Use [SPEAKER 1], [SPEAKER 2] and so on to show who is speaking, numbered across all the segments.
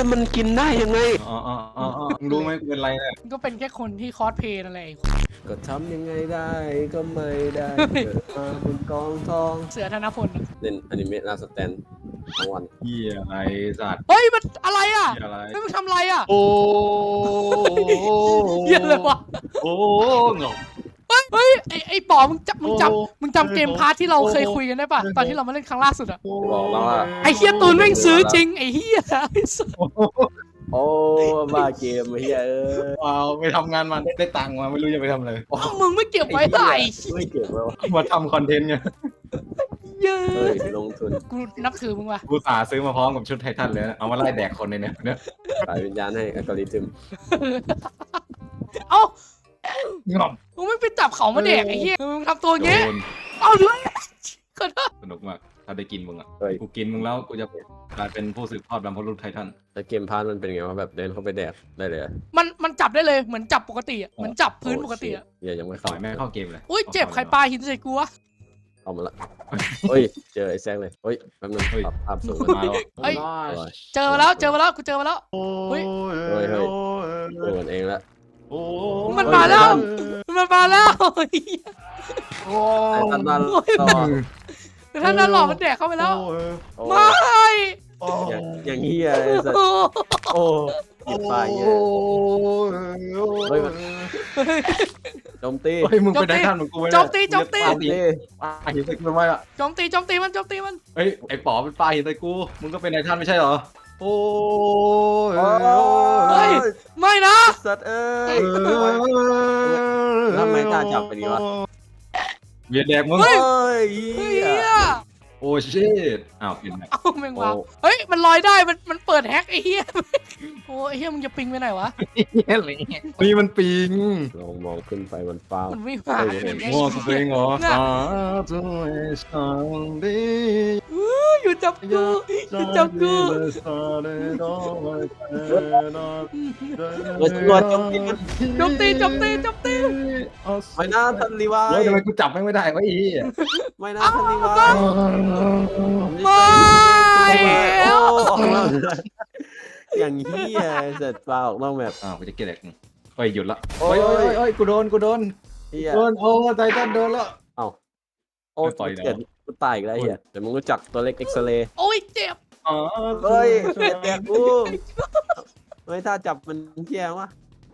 [SPEAKER 1] แล้วมันกินได้ยังไง
[SPEAKER 2] รู้ไหมกูเป็นไรเนี่ย
[SPEAKER 3] ก็เป็นแค่คนที่คอสเพลย์นั่นแหละ
[SPEAKER 1] ก็ทำยังไงได้ก็ไม่ได้เกิดมาบนกองทอง
[SPEAKER 3] เสือธนพล
[SPEAKER 1] เล่นอนิเมะหน้าสแตนทั้งวัน
[SPEAKER 2] เหี้ยอะไรสัตว์
[SPEAKER 3] เฮ้ยมันอะไรอ่ะ
[SPEAKER 2] เหี้ยอะไร
[SPEAKER 3] ไม่มึงทำอะไรอ่ะ
[SPEAKER 2] โอ้
[SPEAKER 3] เหี้ยอะไรวะ
[SPEAKER 2] โอ้เงา
[SPEAKER 3] เฮ้ยไอ้ป๋อมึงจำเกมพาร์ทที่เราเคยคุยกันได้ป่ะตอนที่เรามาเล่นครั้งล่าสุดอ่ะ
[SPEAKER 1] จะบอกแล้วว่า
[SPEAKER 3] ไอ้เฮียตูนแม่งซื้อจริงไอ้เฮีย
[SPEAKER 1] โอ้บ้าเกมไอ้เหี้ย
[SPEAKER 2] ว้าวไปทำงานมาได้ตังค์มาไม่รู้จะไปทำอะไร
[SPEAKER 3] มึงไม่เก็บไว้ไหน
[SPEAKER 1] ไม่เก็บไว้วะ
[SPEAKER 2] มาทำคอนเทนต์ไง
[SPEAKER 3] เย้
[SPEAKER 1] เฮ้ยลงทุน
[SPEAKER 3] กูนับถือมึงว่ะ
[SPEAKER 2] กูสาซื้อมาพร้อมกับชุดไททันเลยนะเอามาไล่แดกคนในเนี่ย
[SPEAKER 1] สายวิญญาณให้อัลกอริทึม
[SPEAKER 3] เอ้า
[SPEAKER 2] งอม
[SPEAKER 3] มึงไม่ไปจับเขามาแดกไอ้เหี้ยมึงทำตัวเงี้ย
[SPEAKER 2] โดน
[SPEAKER 3] เอาด้วยขอโทษ
[SPEAKER 2] สนุกมากถ้าได้กินมึงอ่ะ
[SPEAKER 1] เฮ้ย
[SPEAKER 2] กูกินมึงแล้วกูจะกลายเป็นผู้สืบทอดบรรพบุรุษไททัน
[SPEAKER 1] แต่เกมพาร์ทมันเป็นไงวะแบบเดินเข้าไปแดกได้เลยอะ
[SPEAKER 3] มันจับได้เลยเหมือนจับปกติอ่ะเหมือนจับพื้นปกติอ่ะ
[SPEAKER 1] เหี้ยยังไม่
[SPEAKER 2] ต่
[SPEAKER 1] เข้า
[SPEAKER 2] อยแม่เข้าเกมเลย
[SPEAKER 3] อุ้ยเจ็บใครปลาหินใส่กูวะ
[SPEAKER 1] เข้ามาละเฮ้ยเจอไอ้แซงเลยเฮ้ยแป๊บนึงปรับภาพสูง
[SPEAKER 2] มาแล้ว
[SPEAKER 3] เฮ้ย
[SPEAKER 1] โอ้ย
[SPEAKER 3] เจอมาแล้วกูเจอมาแล้ว เฮ้ย
[SPEAKER 1] เฮ้ยโดนเองละ
[SPEAKER 3] มันมาแล้วมันมาแล้ว
[SPEAKER 1] ไอ้ตันนันต่อ
[SPEAKER 3] แต่ท่านนั้นหลอกมันแดกเข้าไปแล้ว
[SPEAKER 1] โอ้
[SPEAKER 3] ไม่
[SPEAKER 1] อย่างเฮียไอ้สัสโอ้หยิบไปเงี้ยเฮ้ยโจมตี
[SPEAKER 2] เฮ้ยมึงเป็นไททันเหมือนกูไหม
[SPEAKER 3] โจมตี
[SPEAKER 1] โจมตี
[SPEAKER 2] ปาหินใส่กูทำไมอ่ะ
[SPEAKER 3] โจมตีมัน
[SPEAKER 2] เฮ้ยไอ้ป๋อเป็นปลาหินใส่กูมึงก็เป็นไททันไม่ใช่เหรอโอ้ย
[SPEAKER 3] เฮ้ยไม่นะ
[SPEAKER 1] สัตว์เอ้ยแล้วทำไมตาจับไปดีวะ
[SPEAKER 2] เวียนแดกมึง
[SPEAKER 3] เฮ้ย
[SPEAKER 1] เฮ้ย
[SPEAKER 3] เฮี
[SPEAKER 1] เหี้ย
[SPEAKER 3] ย
[SPEAKER 2] โอ้ชิตอ้าวเปลี่ยนใหม่
[SPEAKER 3] เอาแมงวาเฮ้ยมันลอยได้มันเปิดแฮกไอ้เฮียโอ้ไอ้เฮียมึงจะปิงไปไหนวะ
[SPEAKER 2] นี่มันปิง
[SPEAKER 1] ลองมองขึ้นไปมันฟ้า
[SPEAKER 3] มันไม่มา
[SPEAKER 2] มั่วสเปงเหรอตัวสังดี
[SPEAKER 3] อยู่จับกูอยู่จับกู
[SPEAKER 1] เฮ้ยตำรวจโจมตีมัน
[SPEAKER 3] โจมตี
[SPEAKER 1] ไม่น่าทันรีวาย
[SPEAKER 2] เฮ้ยทำไมกูจับไม่ได้วะอี
[SPEAKER 1] ไม่น่าทันรีวาย
[SPEAKER 3] ไม่แล้ว
[SPEAKER 1] อย่างเฮียเสร็จปลาออกนอกแบบ
[SPEAKER 2] อ้าวกูจะเกลียดเฮ้ยหยุดละเฮ้ยกูโดน
[SPEAKER 1] เฮีย
[SPEAKER 2] โดนโอ้ไททันโดนละ
[SPEAKER 1] เอ้าโอ้
[SPEAKER 2] ไม่ปล่อยแล้ว
[SPEAKER 1] เกิดกูตายอีกแล้วเฮียแต่มึงรู้จักตัวเล็กเอ็กซเรย์
[SPEAKER 3] โอ้ยเจ็บ
[SPEAKER 2] อ๋อ
[SPEAKER 1] เฮ้ยเจ็บแดกกูไม่ถ้าจับมันเฮียวะ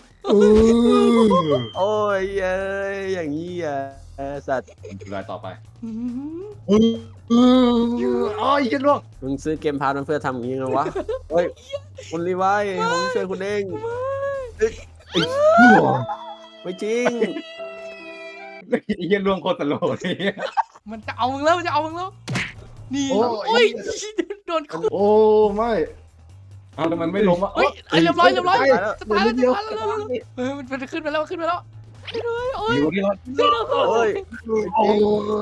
[SPEAKER 1] โอ้ยเอ้ยอย่างเฮียสัตว์
[SPEAKER 2] รายต่อไปอ๋อยิงล่วง
[SPEAKER 1] มึงซื้อเกมพาร์ทมันเพื่อทำอย่างนี้เหรอวะเฮ้ยคุณรีไวายผมช่วยคุณเองไม่จริง
[SPEAKER 2] ยิงล่วงโคตรตลกเลย
[SPEAKER 3] มันจะเอามึงแล้วนี่โอ้ยโดนคู่
[SPEAKER 2] โอ้ไม่เอาแต่มันไม่ล้มอ่ะ
[SPEAKER 3] เฮ้ยเรียบร้อยจะตายแล้วเฮ้ยมันขึ้นไปแล้วโอ้ย
[SPEAKER 2] อยู่ที่รถ
[SPEAKER 1] โอ้ย
[SPEAKER 2] โอ้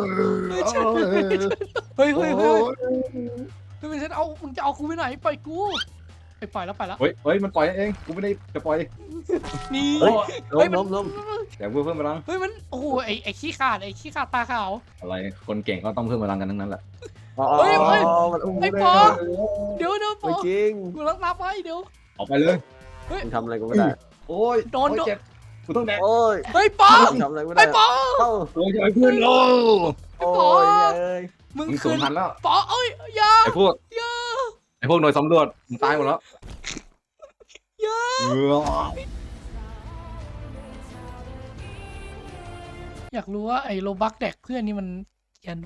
[SPEAKER 3] เฮ้ยมันจะเอามึงจะเอากูไปไหนปล่อยกูไปปล่อยแล้ว
[SPEAKER 2] เฮ้ยมันปล่อยเองกูไม่ได้จะปล่อย
[SPEAKER 3] นี่
[SPEAKER 1] ล้ม
[SPEAKER 2] แต่เพิ่มพลัง
[SPEAKER 3] เฮ้ยมันโอ้โหไอ้ขี้ขาดตาขาว
[SPEAKER 2] อะไรคนเก่งก็ต้องเพิ่มพลังกันทั้งนั้นแหละ
[SPEAKER 3] ไอ้ปอเดี๋ยวปอ
[SPEAKER 1] ไม่จริง
[SPEAKER 3] กูรักรับไว้เดี๋ยว
[SPEAKER 2] ออกไปเลย
[SPEAKER 1] มึงทำอะไรกูไม่ได้
[SPEAKER 2] โอ้ยเจ็บกูต้องแดก
[SPEAKER 1] โอ้ย
[SPEAKER 3] เฮ้ยปอ
[SPEAKER 1] ทำอะไรไม่ได้
[SPEAKER 3] ไอ้ปอ
[SPEAKER 2] โอ้ยไอ้เพื่อนโอ้
[SPEAKER 1] โอ้ยเอ้ย
[SPEAKER 3] มึง
[SPEAKER 2] มึงสู
[SPEAKER 3] คื
[SPEAKER 2] ญ
[SPEAKER 3] น
[SPEAKER 2] พันธุ์แล้ว
[SPEAKER 3] ปอเอ้ยยา
[SPEAKER 2] ไอ้พวกหน่วยสำรวจมึงตายหมดแล้ว
[SPEAKER 3] อยากรู้ว่าไอ้โลบักแดกเพื่อนนี่มันเขียน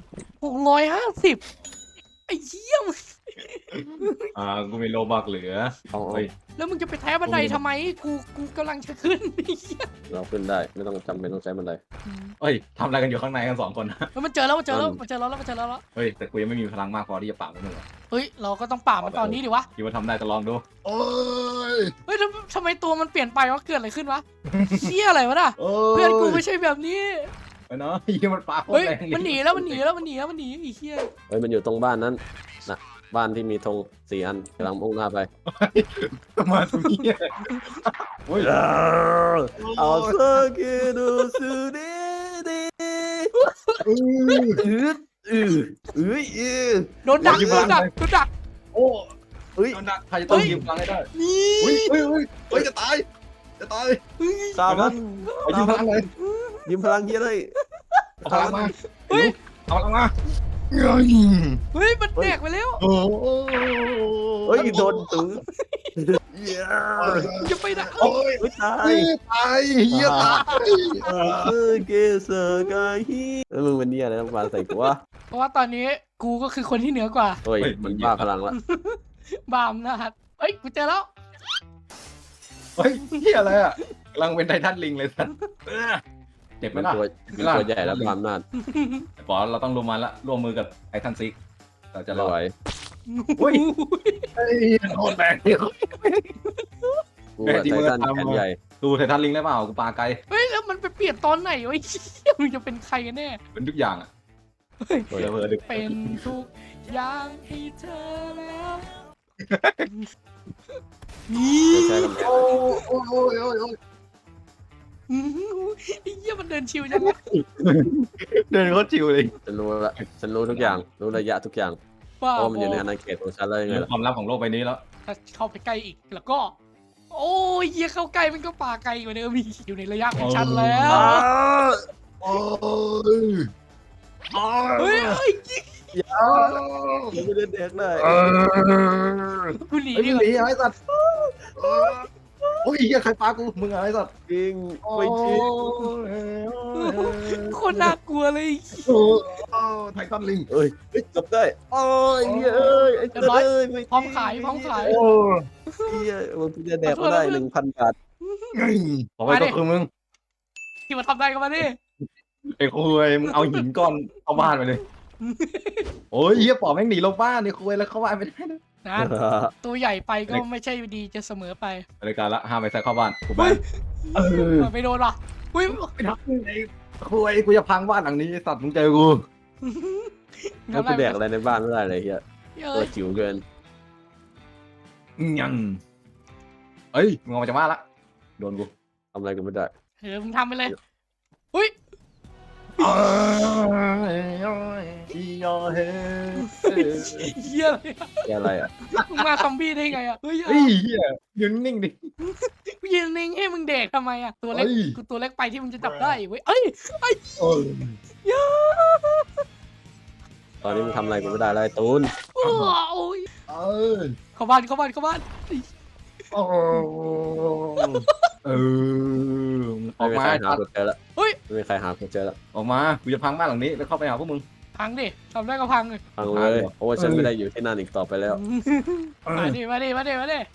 [SPEAKER 3] 650ไอ้เหี้ย
[SPEAKER 2] กูมีโลบักเหลือ
[SPEAKER 3] แล้วมึงจะไปแท้บันไดทำไมกูกำลังจะขึ้นไอ้เหี้ย
[SPEAKER 1] เราขึ้นได้ไม่ต้องจำเป็นต้องใช้บันได
[SPEAKER 2] เฮ้ยทำอะไรกันอยู่ข้างในกัน2 คน
[SPEAKER 3] มันเจอแล้ว
[SPEAKER 2] เฮ้ยแต่กูยังไม่มีพลังมากพอที่จะปราบมันเลย
[SPEAKER 3] เฮ้ยเราก็ต้องปราบมันตอนนี้ดิวะ
[SPEAKER 2] คิดว่าทำได้จะลองดูโอ้ย
[SPEAKER 3] เฮ้ยทำไมตัวมันเปลี่ยนไปวะเกิดอะไรขึ้นวะเหี้ยอะไรวะน่ะเพื่อนกูไม่ใช่แบบนี้
[SPEAKER 2] ไปเนาะยิงมันปลาโคต
[SPEAKER 3] เฮ้
[SPEAKER 2] ร
[SPEAKER 3] ย
[SPEAKER 2] แรง
[SPEAKER 3] มันหนีแล้วไอ้เหี้ย
[SPEAKER 1] เฮ้ยมันอยู่ตรงบ้านนั้นนะบ้านที่มีธง4 อันกำลังมุ่งหน้าไป
[SPEAKER 2] มาตรงนี้โอ้ย
[SPEAKER 1] เอาเซอร์กิดูสูดีดี
[SPEAKER 3] โดนดัก
[SPEAKER 2] โอ้
[SPEAKER 1] เฮ้ย
[SPEAKER 2] ใครจะต้องยืมพลังให้ได้
[SPEAKER 3] นี่
[SPEAKER 2] เฮ้ยจะตาย
[SPEAKER 1] สามัน
[SPEAKER 2] ไปยืมพลังเลย
[SPEAKER 1] ยืมพลังเฮียเลย
[SPEAKER 2] เอาพลังมา
[SPEAKER 3] เฮ้ย
[SPEAKER 2] เอาพลังมา
[SPEAKER 3] เฮ้ยมันแตกไปแล้ว
[SPEAKER 2] โอ้
[SPEAKER 1] เฮ้ยโดนตึง
[SPEAKER 3] จะไปไหน
[SPEAKER 2] โอ้ย
[SPEAKER 1] ไม่ตาย
[SPEAKER 2] ตายเฮียตาย
[SPEAKER 1] เกสกาฮีแล้วมึงเป็นเนี่ยอะไรต้องมาใส่กูวะ
[SPEAKER 3] เพราะว่าตอนนี้กูก็คือคนที่เหนือกว่า
[SPEAKER 1] เฮ้ยมันบ้าพลังละ
[SPEAKER 3] บามนะฮะเฮ้ยกูเจอแล้ว
[SPEAKER 2] เฮ้ยเฮียอะไรอ่ะกำลังเป็นไททันลิงเลยสัตว์เจ็บไหม
[SPEAKER 1] มัน
[SPEAKER 2] ล่ะ
[SPEAKER 1] ตัวใหญ่แล้วความนาด
[SPEAKER 2] ปอเราต้องร่วมมันละร่วมมือกับไททันซิกเราจะร
[SPEAKER 1] ไม่
[SPEAKER 2] อ
[SPEAKER 1] ไหว
[SPEAKER 2] อุ้ยเฮ้ยโคตรแรงเลย
[SPEAKER 1] กูอะไททันแขนใหญ่
[SPEAKER 2] ดูไททันลิงได้เปล่ากูปาไกล
[SPEAKER 3] เฮ้ยแล้วมันไปเปลี่ยนตอนไหนวะไอ้เหี้ยมึงจะเป็นใครกันแน่
[SPEAKER 2] เป็นทุกอย่างอ่ะ
[SPEAKER 3] เฮ้ย
[SPEAKER 2] เผลอๆดึก
[SPEAKER 3] เป็นทุกอย่างให้เธอแล้วนี่
[SPEAKER 1] ไม่ใช่กำแพง
[SPEAKER 2] โอ้ย
[SPEAKER 3] ไอ้เหี้ยมันเดินชิวจังวะ
[SPEAKER 2] เดินโคตรชิวเลย
[SPEAKER 1] ฉันรู้ละฉันรู้ทุกอย่างรู้ระยะทุกอย่าง
[SPEAKER 3] บ้า
[SPEAKER 1] เพราะมันอยู่ในอาณาเขตของฉันเลยไง
[SPEAKER 2] เป็น
[SPEAKER 1] ล่ะ
[SPEAKER 2] ความลับของโลกใบนี้แล้ว
[SPEAKER 3] ถ้าเข้าไปใกล้อีกแล้วก็ โอ้ยเหี้ยเข้าใกล้มันก็ป่าไกลกว่าเดิมอีกอยู่ในระยะของฉันแล้ว
[SPEAKER 2] โอ้ย
[SPEAKER 3] เฮ้ยเฮ้ย
[SPEAKER 1] ไม่ได้เด็กได้
[SPEAKER 3] กูหนี
[SPEAKER 2] ไอ้
[SPEAKER 3] ดี
[SPEAKER 2] นี่
[SPEAKER 3] กว่า
[SPEAKER 2] ไอ้สัตว์โอ้ยเฮียใครปากูมึงอะไรสัตว์
[SPEAKER 1] จริงไม่จริง
[SPEAKER 3] โคนน่ากลัวเลย
[SPEAKER 2] โอ้ไททันลิง
[SPEAKER 1] เอ้ยจบได้โอ้ยเอ้ยไอ้เจ้ยไม่
[SPEAKER 3] พร้อมขายพร้อมขาย
[SPEAKER 2] โอ้
[SPEAKER 1] เฮียมึงจะแดกก็ได้ 1,000 บาท
[SPEAKER 2] ขอไปก็คือมึง
[SPEAKER 3] ที่มาทำได้กันมาดิ
[SPEAKER 2] ไอ้คุยมึงเอาหินก้อนเข้าบ้านไปเลยโอ้ยเฮียปอบแม่งหนีลงบ้านนี่คุยแล้วเข้าบ้านไม่ได้นะ
[SPEAKER 3] นะตัวใหญ่ไปก็ไม่ใช่ดีจะเสมอไป
[SPEAKER 2] รายการละห้ามไปใส่เข้าบ้านกู
[SPEAKER 3] เฮ้
[SPEAKER 2] บ้าย น
[SPEAKER 3] ไม่โดนว่ะอุ้ย
[SPEAKER 2] ไปทำไอ้คุยกูจะพังบ้านหลังนี้สัตว์มึงเจอกู
[SPEAKER 1] ก็ไปแดกอะไรในบ้านไม่ได้เลยเฮีย
[SPEAKER 3] เฮ้
[SPEAKER 1] ตัวย จิ๋วเกิน
[SPEAKER 2] ยังเอ้ยมึงออกมาจากบ้านละโดนกู
[SPEAKER 1] ทำอะไรกันไม่ได้
[SPEAKER 3] มึงทำไปเลยอุ้ย เฮียอะไรอะ
[SPEAKER 1] แกอะไรอ่ะ
[SPEAKER 3] มึงมาซอมบี้ได้ไงอ่ะเฮ้ย
[SPEAKER 2] เฮ้ยเฮียยืนนิ่งดิ
[SPEAKER 3] กูยืนนิ่งให้มึงเด็กทำไมอ่ะตัวเล็ก
[SPEAKER 2] เฮ้ย
[SPEAKER 3] กูตัวเล็กไปที่มึงจะจับได้เว้ยเอ้ย
[SPEAKER 2] โอ้ย
[SPEAKER 3] ยา
[SPEAKER 1] ตอนนี้มึงทำอะไรกันไม่ได้เลยตูน
[SPEAKER 3] โอ้ย
[SPEAKER 2] เอ้ย
[SPEAKER 3] เข้าบ้านเข้าบ้านเข้าบ้าน
[SPEAKER 2] โอ้เอออ
[SPEAKER 1] ไม่
[SPEAKER 2] อก
[SPEAKER 1] มี
[SPEAKER 2] มา
[SPEAKER 1] ใครหากูเจอละ
[SPEAKER 3] เฮ้ย
[SPEAKER 1] ไม่มีใครหากูเจอละ
[SPEAKER 2] ออกมากูจะพังบ้านหลังนี้แล้วเข้าไปหาพวกมึง
[SPEAKER 3] พังดิทำได้ก็พังเลย
[SPEAKER 1] ฟังเลยเพราะว่าฉันไม่ได้อยู่ที่นั่นอีกต่อไปแล้ว
[SPEAKER 3] มาดิมาดิมาดิมาดิ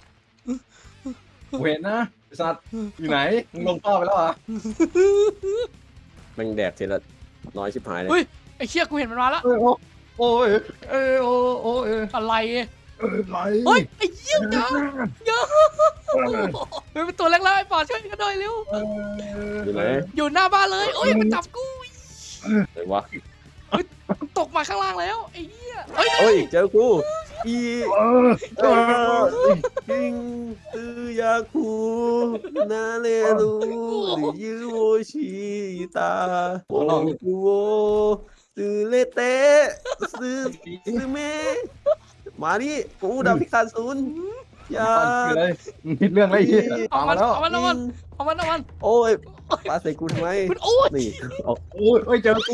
[SPEAKER 2] กูเห็นนะไอ้สัตว์อยู่ไหนมึงลงท่อไปแล้วเหรอ
[SPEAKER 1] แม่งแดกทีละน้อยชิบหายเลย
[SPEAKER 3] ไอ้เชี่ยกูเห็นมันมาแล้ว
[SPEAKER 2] โอ้ยโอ้ยโอ้ยโอ้ย
[SPEAKER 3] อะไร
[SPEAKER 2] ไหล
[SPEAKER 3] เฮ้ยไอ้เหี้ยเยอะเฮ้ยเป็นตัวเล็กแล้วไอ้ปอดช่วยกันหน่อยเร็ว
[SPEAKER 1] อยู่ไหน
[SPEAKER 3] อยู่หน้าบ้านเลยโอ้ยมันจับกู
[SPEAKER 1] ไหนวะ
[SPEAKER 3] ตกมาข้างล่างแล้วไอ้เหี้ยเฮ้ย
[SPEAKER 1] เฮ้ยเจอกูอี
[SPEAKER 2] เออ
[SPEAKER 1] คิงตือยาคูนาเลรูหรือยูโอชิตาโอกูโอซื้อเลเตซื้อเมมาดิกูดาพิฆาตศูนย์อย่า
[SPEAKER 2] คืออะไรผิดเรื่องอะไรเหี้ย
[SPEAKER 3] เอา
[SPEAKER 2] ตาม
[SPEAKER 3] มั
[SPEAKER 2] มาน แล้ว
[SPEAKER 3] เอามันเอามันเอามันเอามัน
[SPEAKER 1] โอ้ยปาใส่กูทำไม
[SPEAKER 3] มันโอ้ย
[SPEAKER 1] นี่เอา
[SPEAKER 2] โอ้ยเอ้ยเจอกู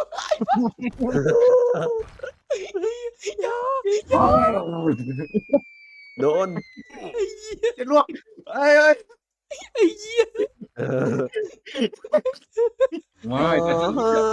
[SPEAKER 3] อย่า
[SPEAKER 1] โดน
[SPEAKER 2] จะล่วงเอ้ยเอ้ย
[SPEAKER 3] ไอ้เหี้ย
[SPEAKER 2] ไม่แต่ฉัน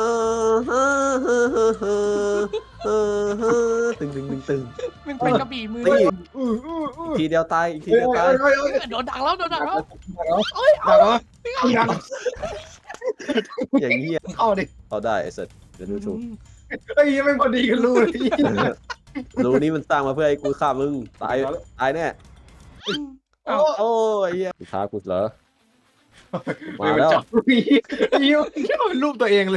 [SPEAKER 1] ตึงตึงตึงตึง
[SPEAKER 3] มันเป็นกระบี่มือ
[SPEAKER 1] ตีทีเดียวตายอีกทีเดียวตาย
[SPEAKER 3] โดนดักแล้วโดนดักแล้ว
[SPEAKER 2] ดักเหรอดัก
[SPEAKER 1] อย่างเงี้ย
[SPEAKER 2] เข้าดิ
[SPEAKER 1] เอาได้ไอ้สัตว์เดี๋ยวดูถูก
[SPEAKER 2] เฮ้ยไม่พอดีกันรู้เลย
[SPEAKER 1] รูนี้มันสร้างมาเพื่อให้กูฆ่ามึงตายแน่ โอ้ยเหี้ยท้ากูเหรอมาแล้ว
[SPEAKER 2] จับพี่ยิ้มเป็นรูปตัวเองเลย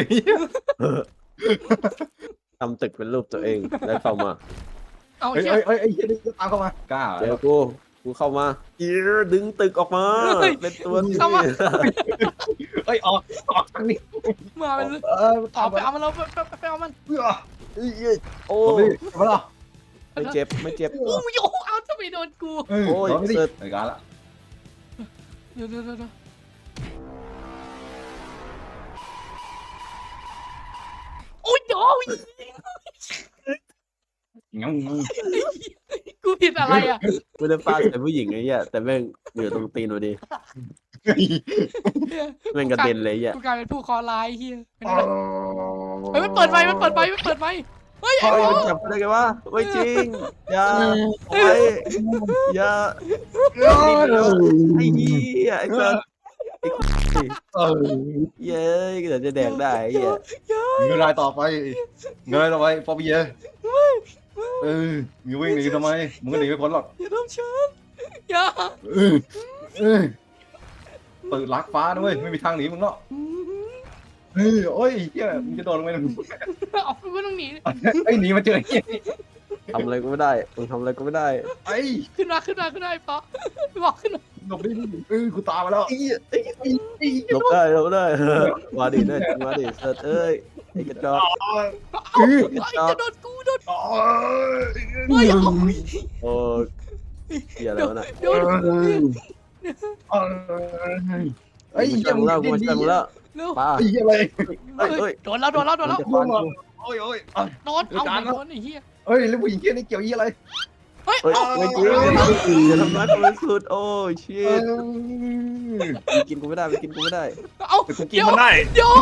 [SPEAKER 1] ทำตึกเป็นรูปตัวเองแล้วเข้ามา
[SPEAKER 3] เอา
[SPEAKER 2] เฮ้ย
[SPEAKER 3] เชี่ย
[SPEAKER 2] เฮ้ยเฮ้ยเฮ้ยตามเข้ามากล้า
[SPEAKER 1] เจอกูเข้ามาดึงตึกออกมาเป็นตัวที่
[SPEAKER 2] เฮ้ยออกทางนี้
[SPEAKER 3] มาเป็น
[SPEAKER 2] เออ
[SPEAKER 3] ออกไปเอามันเราไปเอามัน
[SPEAKER 2] เพื่อ
[SPEAKER 1] โอ้
[SPEAKER 2] โอ้ยมาหรอ
[SPEAKER 1] ไม่เจ็บไม่เจ็บ
[SPEAKER 3] โอ้ยเอาทำไมโดนกู
[SPEAKER 1] โอ้ย
[SPEAKER 2] ไม่
[SPEAKER 1] เสร็
[SPEAKER 2] ได้
[SPEAKER 1] จ
[SPEAKER 2] รายการละ
[SPEAKER 3] เดี๋ยวโอ้ยโอ้ย
[SPEAKER 2] งั้ง
[SPEAKER 3] กูผิดอะไรอ่ะ
[SPEAKER 1] ไม่ได้ฟาดใส่ผู้หญิงไอ้เหี้ยแต่แม่งอยู่ตรงตีนพอดีแม่งกระเด็นเลยไอ้เหี้ย
[SPEAKER 3] กูกลายเป็นผู้คอร้ายเฮียเฮ้ยมันเปิดไฟเฮ้ยไอ้
[SPEAKER 1] เฮ้ย
[SPEAKER 3] โอ้
[SPEAKER 1] มันจับได้ไงวะไม่จริงอย่าโอ้ยอย่าไอ้เหี้ยไอ้สัสเย้ยเดี๋ยวจะแดกได้ไอ้เหี้ย
[SPEAKER 2] เงยต่อไปเงยต่อไปปอบีเย่มึงวิ่งหนีทำไมมึงก็หนีไม่พ้นหรอก
[SPEAKER 3] อย่าทำฉันอย่า
[SPEAKER 2] เปิดลักฟ้าด้วยไม่มีทางหนีมึงหรอกโอ้ยเฮียมึงจะโดนลงไป
[SPEAKER 3] เอากูไม่ต้องหนี
[SPEAKER 2] ไอ้หนีมาเจอเฮีย
[SPEAKER 1] ทำอะไรก็ไม่ได้มึงทำอะไรก็ไม่ได้
[SPEAKER 2] ไอ้
[SPEAKER 3] ขึ้นมาปะบอกขึ้นมา
[SPEAKER 2] หลบดิกูตามมาแล้ว
[SPEAKER 1] หลบได้มาดิเนี่ยมาดิเสิร์ชเอ้ยไอ้กระจอก
[SPEAKER 3] ไอ้จะโดนกูเฮ้ย
[SPEAKER 1] โอ้เหี้ยอะไรวะน่ะ
[SPEAKER 3] โดน
[SPEAKER 2] ไอ้
[SPEAKER 1] กู
[SPEAKER 2] เหี้ย
[SPEAKER 1] จังแล้วกูจังแล้ว
[SPEAKER 3] เร็ว
[SPEAKER 1] ป้า
[SPEAKER 2] ไอ้เหี้ยอะไร
[SPEAKER 1] เฮ้ย
[SPEAKER 3] โดนแล้ว
[SPEAKER 1] มันจะฟันกู
[SPEAKER 2] โอ้ย
[SPEAKER 3] โดนเอาโดนไอ้เหี้ย
[SPEAKER 2] เฮ้ยแล้วผู้หญิงเหี้ยนี่เกี่ยวยี่อะไร
[SPEAKER 3] เฮ้ย
[SPEAKER 1] เฮ้ยไม่จริงอย่าทำร้ายคนสุดโอ้ชิตกินกูไม่ได้กินกูไม่ได้
[SPEAKER 3] เอา
[SPEAKER 2] แต่กูกินมันได้
[SPEAKER 3] เดี๋ยว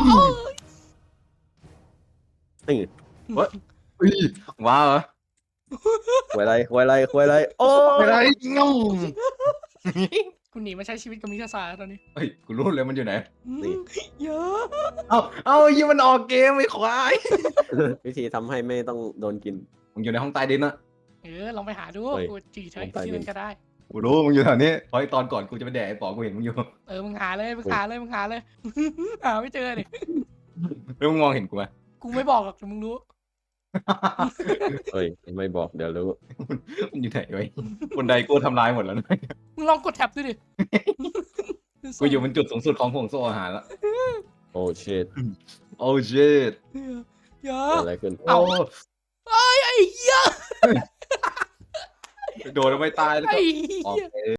[SPEAKER 1] นี่
[SPEAKER 2] ว้าเหรอ
[SPEAKER 1] ควายไรโอ้
[SPEAKER 2] ไม่ได้งง
[SPEAKER 3] กูหนีมาใช้ชีวิตกับมิคาซาตอนนี้
[SPEAKER 2] เฮ้ยกูรู้เลยมันอยู่ไหน
[SPEAKER 3] เยอะ
[SPEAKER 2] เอายี่มันออกเกมไอ้ควาย
[SPEAKER 1] วิธีทำให้ไม่ต้องโดนกิน
[SPEAKER 2] มึงอยู่ในห้องใต้ดินนะ
[SPEAKER 3] ลองไปหาดู
[SPEAKER 1] เฮ้ย
[SPEAKER 3] กูจีใช้
[SPEAKER 1] ลองไป
[SPEAKER 3] ที่
[SPEAKER 1] ดิ
[SPEAKER 3] นั่นก็ได้
[SPEAKER 2] กูรู้มึงอยู่แถวนี้เพราะตอนก่อนกูจะไปแดกไอ้ป๋อกูเห็นมึงอยู่
[SPEAKER 3] มึงหาเลยหาไม่เจอเลย
[SPEAKER 2] แล้วมึงมองเห็นกูไหม
[SPEAKER 3] กูไม่บอกหรอกแต่มึงรู้
[SPEAKER 1] เฮ้ยไม่บอกเดี๋ยวรู้
[SPEAKER 2] มันอยู่ไหนไว้บนไดกูทำลายหมดแล้วนะ
[SPEAKER 3] มึงลองกดแท็บดูดิ
[SPEAKER 2] กูอยู่บนจุดสูงสุดของห่วงโซ่อาหารแล้ว
[SPEAKER 1] โอ้ชิต
[SPEAKER 2] โอ้ชิต
[SPEAKER 3] เยอ
[SPEAKER 1] เกิด
[SPEAKER 3] ะ
[SPEAKER 1] อะไรขึ้น
[SPEAKER 3] เอ้า ไอ้เหี้ย
[SPEAKER 2] โดนแล้วไม่ตายแล้ว
[SPEAKER 3] ไอ้
[SPEAKER 2] ก็
[SPEAKER 3] เหี้ย
[SPEAKER 2] ออก